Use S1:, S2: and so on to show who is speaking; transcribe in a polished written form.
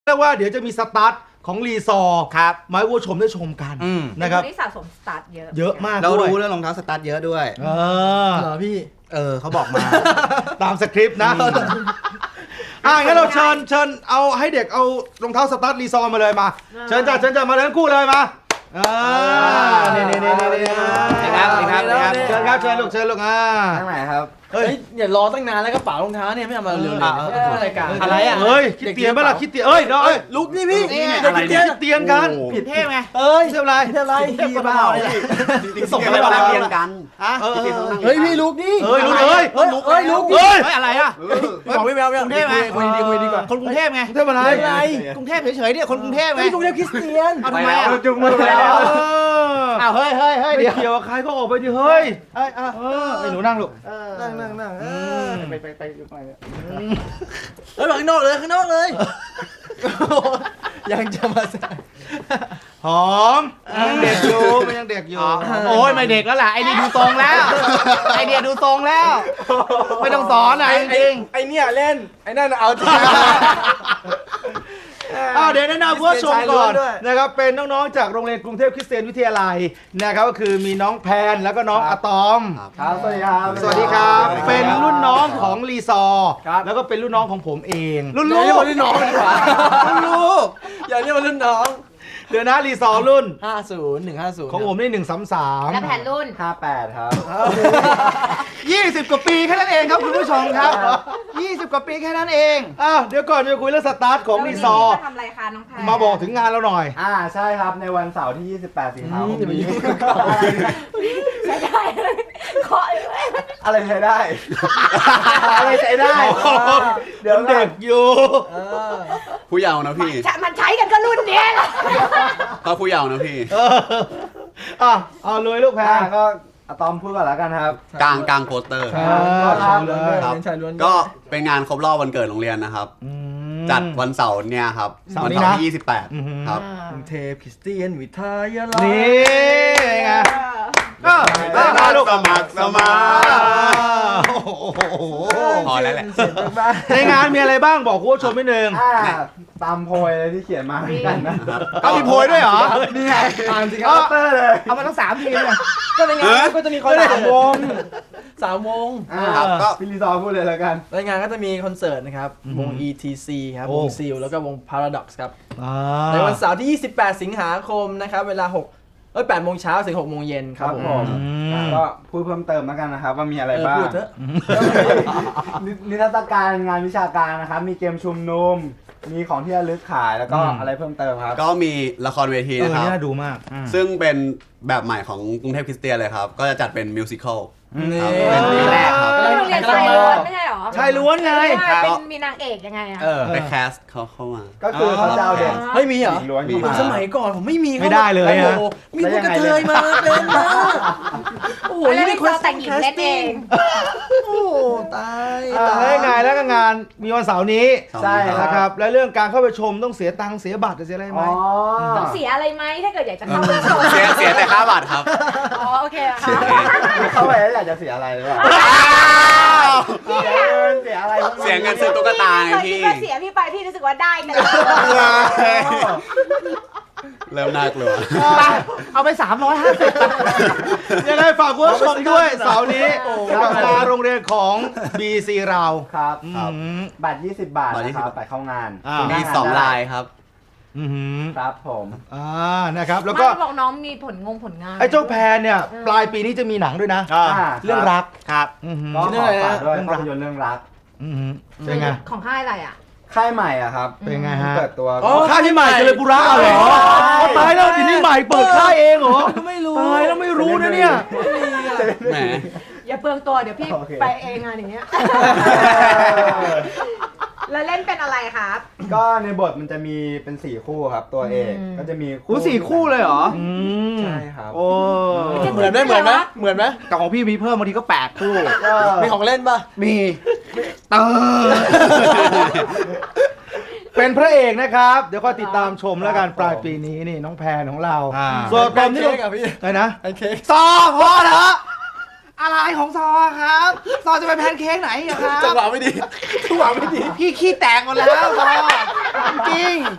S1: รียกว่าเดี๋ยวจะมีสตาร์ทของรีซอร์
S2: ครับ
S1: มาให้ผู้ชมได้ชมกันนะครับ
S3: นี่สะสมสตาร์ท
S1: เยอะมาก
S2: เรารู้เรื่องรองเท้าสตาร์ทเยอะด้วย
S1: เหรอพี่
S2: เขาบอกมา
S1: ตามสคริปต์นะงั้นเราเชิญเอาให้เด็กเอารองเท้าสตาร์ทรีซอร์มาเลยมาเชิญจ้ะมาทั้งคู่เลยมานี่ครับเชิญลูก
S2: ทางไหนครับ
S4: เฮ้ยอย่ารอตั้งนานแล้วก็ป๋ารองเท้าเนี่ยไม่เอามาเร็วๆรายการ
S1: อะไรอ่ะเฮ้ยคิดเตียนไหมล่ะคิดเตียนเอ้ย
S4: ลุกนี่พี่
S1: คิดเตียนกัน
S4: ผิดเท่ไหม
S1: เท่าไร
S4: พี่เปล่า
S2: ส่งไปเรียนกัน
S4: เฮ้ยพี่ลุกนี่
S1: ลุก
S4: อะไรอ่ะบอกไม่แววกรุงเทพไหมคุยดีกว่า
S1: คนกรุงเทพไงกรุงเทพอะไร
S4: กรุงเทพเฉยๆเนี่ยคนกรุงเทพไงกรุงเทพคริสเตียน
S1: ทำไมอ่ะจุงมือแล้ว
S4: เฮ้ย
S1: เดี๋ยวเกี่ยวกับใครก็ออกไปดิเฮ้ยไอ้หนูนั่งลูก
S4: นั่งไปเฮ้ยข้างนอกเลยยังจะมา
S1: หอมยังเด็กอยู่มันยังเด็กอยู่
S4: โอ้ยไม่เด็กแล้วแหละไอ้นี่ดูทรงแล้วไอเดียดูทรงแล้วไม่ต้องสอนจริง
S2: ไอเนี่ยเล่นไอนั่นเอาจริง
S1: เดี๋ยวแนะนำผู้ชมก่อนนะครับเป็นน้องๆจากโรงเรียนกรุงเทพคริสเตียนวิทยาลัยนะครับก็คือมีน้องแพนแล้วก็น้องอะตอม
S2: ครับสวัสดีครับ
S1: สวัสดีครับเป็นรุ่นน้องของรีซอร์แล้วก็เป็นรุ่นน้องของผมเอง
S4: รุ่นลูกรุ่นน้องดีกว่ารุ่นลูกอย่าเรียกว่ารุ่นน้อง
S1: เดี๋ยวนะรีซอร์รุ่น
S4: 150
S1: ของผมนี่133
S3: และแผ่นรุ่น
S2: 58ครับ
S1: 20 กว่าปีแค่นั้นเองครับคุณผู้ชมครับ20 กว่าปีแค่นั้นเองเดี๋ยวก่อนจะคุยเรื่องสตาร์ทของรีซอร์
S3: ทำอะไรคะน้องแพน
S1: มาบอกถึงงานเราหน่อย
S2: ใช่ครับในวันเสาร์ที่28สิงหาคมนี้
S3: ใช้ได้เคาะเลย
S2: อะไรใช้ได้อะไรใช้ได้
S1: เดี๋ยวเด็กอยู่
S2: ผู้เยาว์นะพี่
S3: มันใช้กันก็รุ่นเนี้ย
S2: เขาผู้เยาว์นะพี่
S1: เอาเลยลูกแพร
S2: ก็อะตอมพูดก่อนแล้วกันครับกลางโปสเตอร์ก็เป็นงานครบรอบวันเกิดโรงเรียนนะครับจัดวันเสาร์เนี่ยครับวันเสาร์ที่28ครับ
S4: กรุงเทพคริสเตียนวิทยาลัย
S1: นี่ไง
S2: ลูกสมัครพอแล้วแหละ
S1: ในงานมีอะไรบ้างบอกคุณผู้ชมนิดนึง
S2: ตามโพยเลยที่เขียนมากันนะ
S1: มีโพยด้วยเหรอ
S2: นี่ไงอ่านสิครับเตอร์เลย
S4: เอามาทั้ง3 ทีมเลยก็ในงานก็จะมีคอนเสิร์ต3 วง
S2: ก็พี่ลีซอพูดเลยแล้วกัน
S4: ในงานก็จะมีคอนเสิร์ตนะครับวง ETC ครับวงซิลแล้วก็วง Paradox ครับในวันเสาร์ที่28สิงหาคมนะครับเวลา8 โมงเช้าถึง 6 โมงเย็นครับผม
S2: ก็พูดเพิ่มเติมแล้วกันนะครับว่ามีอะไรบ้างนิทรรศการงานวิชาการนะครับมีเกมชุมนุมมีของที่ระลึกขายแล้วก็อะไรเพิ่มเติมครับก็มีละครเวทีนะครับ
S1: น่าดูมาก
S2: ซึ่งเป็นแบบใหม่ของกรุงเทพคริสเตียนเลยครับก็จะจัดเป็นมิวสิคอล
S3: เป็นปีแรกครับโรงเรียนชายล้วนไม่ใช่หรอ
S1: ชายล้วนไง
S3: เป็นมีนางเอกยังไงอ่ะ
S2: ไปแคสเขาเข้ามาก็คือเขาจะเอาเด็ก
S4: เฮ้ยมีเหรอสมัยก่อนผมไม่มี
S1: ไม่ได้เลยฮะ
S4: มีพวกกระเทยมาเป็นมา
S3: โอ้โหนี่คนแต่งหญิงเล่นเอง
S4: โอ้ตาย
S1: ไงแล้วก็งานมีวันเสาร์นี้ใช่ครับและเรื่องการเข้าไปชมต้องเสียตังค์เสียบัตรจะเสียอะไรไหม
S3: ต้องเสียอะไรไหมถ้าเกิดอยากจะเข้าไปชม
S2: เสียแต่ค่าบัตรครับ
S3: โอเคค่ะ
S2: เข้าไปแล้วอยากจะเสียอะไรหรือเปล่าเสียอะไรเสียเงินซื้อตุ๊กตาไงพี่
S3: เสียพี่ไปพี่รู้สึกว่าได้กัน
S2: เริ่มน่ากลัว
S4: เอาไป350
S1: ยังไงฝากคุณผู้ชมด้วยเสาร์นี้กับงานโรงเรียนของ BC เรา
S2: ครับบัตร20 บาทนะครับไปเข้างานมี2 ลายครับครับผม
S1: นะครับแล้วก็
S3: บอกน้องมีผลงาน
S1: ไอ้เจ้าแพนเนี่ยปลายปีนี้จะมีหนังด้วยนะเรื่องรัก
S2: ครับก็ขอฝากด้วยภาพยนตร์เรื่องรัก
S1: เป็นไง
S3: ของค่ายอะไรอ่ะ
S2: ค่ายใหม่อ่ะครับ
S1: เป็นไงฮะ
S2: เปิดตัว
S1: ค่ายที่ใหม่จะเลยบุระเหรอตายแล้วทีนี้ใหม่เปิดค่ายเองเหรอ
S4: ไม่รู้
S1: ตายแล้วไม่รู้นะเนี่ย
S2: แหม
S3: อย่าเปลืองตัวเดี๋ยวพี่ไปเองงานอย่างเงี้ยแล้วเล่นเป็นอะไรครับ
S2: ก็ในบทมันจะมีเป็น4 คู่ครับตัวเอกก็จะมี
S1: 4 คู่เลยเหรอ
S2: ใช่ครับ
S1: โอ้
S4: เหมือนไหม
S1: แต่ของพี่มีเพิ่มบางทีก็8 คู่
S4: มีของเล่นป่ะ
S1: มีเป็นพระเอกนะครับเดี๋ยวก็ติดตามชมแล้วกันปลายปีนี้นี่น้องแพนของเรา
S4: ส่วนตอนนี้
S1: อะไรนะ
S4: ไอ้เค้ก
S1: ต่อพอเถอะอะไรของซอครับ ซอจะไปแพนเค้กไหนอะครับ
S2: จังหวะไม่ดีจังหวะไม่ดี
S1: พี่ขี้แตกหมดแล้วซอจริง